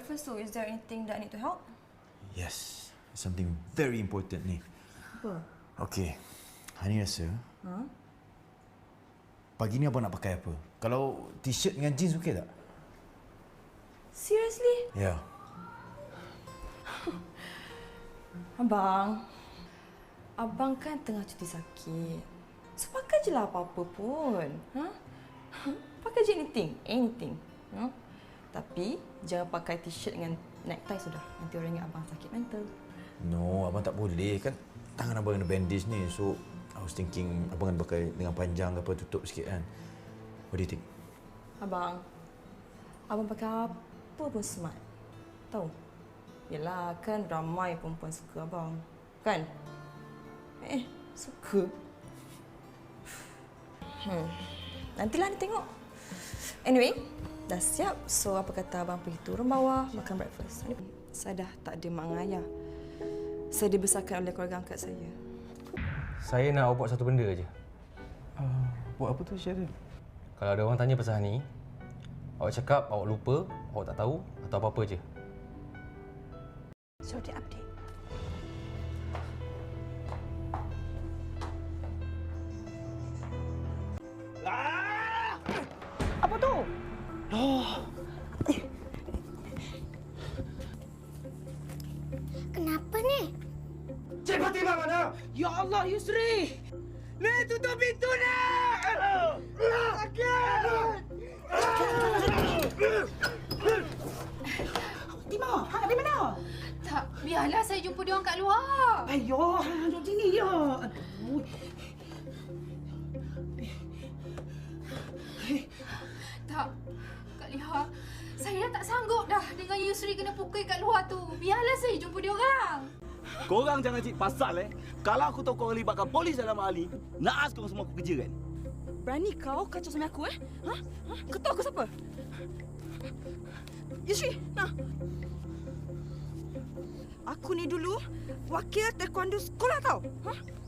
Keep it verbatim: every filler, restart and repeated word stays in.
breakfast, so is there anything that I need to help? Yes, something very important ni. Apa? Okay, Hani rasa Huh? pagi ni abang nak pakai apa? Kalau t-shirt dengan jeans okey tak? Seriously? Ya. Yeah. Abang, abang kan tengah cuti sakit. So pakai je lah apa-apa pun. Ha? Pakai je anything, anything. Ha? Tapi jangan pakai t-shirt dengan necktie sudah. Nanti orang ingat abang sakit mental. No, abang tak boleh. Kan tangan abang kena bandage ni. So, I was thinking abang kena pakai dengan panjang ke apa, tutup sikit kan. What do you think? Abang, abang pakai apa pun smart. Tahu? Yelah, kan ramai perempuan suka abang. Kan? Eh, suka. Hmm. Nantilah ni tengok. Anyway, dah siap. So, apa kata abang pergi turun bawah, makan breakfast. Saya dah tak ada mak dengan ayah. Saya dibesarkan oleh keluarga angkat saya. Saya nak awak buat satu benda aje. Uh, buat apa tu, Syaril? Kalau ada orang tanya pasal ni, awak cakap awak lupa, awak tak tahu atau apa-apa je. So, dia update. Ah! Apa tu? Oh. Kenapa ni? Cik Fatimah mana? Ya Allah, Yusri! Ni, tutup pintu ni! Sakit! Fatimah, hang di mana? Tak, biarlah saya jumpa dia orang kat luar. Ayo, hang duduk sini je. Aduh. Tak, Kak Liha, saya dah tak sanggup dah dengan Yusri kena pukul kat luar tu. Biarlah saya jumpa dia orang. Korang jangan cik pasal eh. Kalau aku tahu korang libatkan polis dalam hal ni, naas korang semua aku kerja kan? Berani kau kacau sama aku eh? Ha? Ha? Kau tahu aku siapa? Yusri, nah. Aku ni dulu wakil taekwondo sekolah tau. Ha?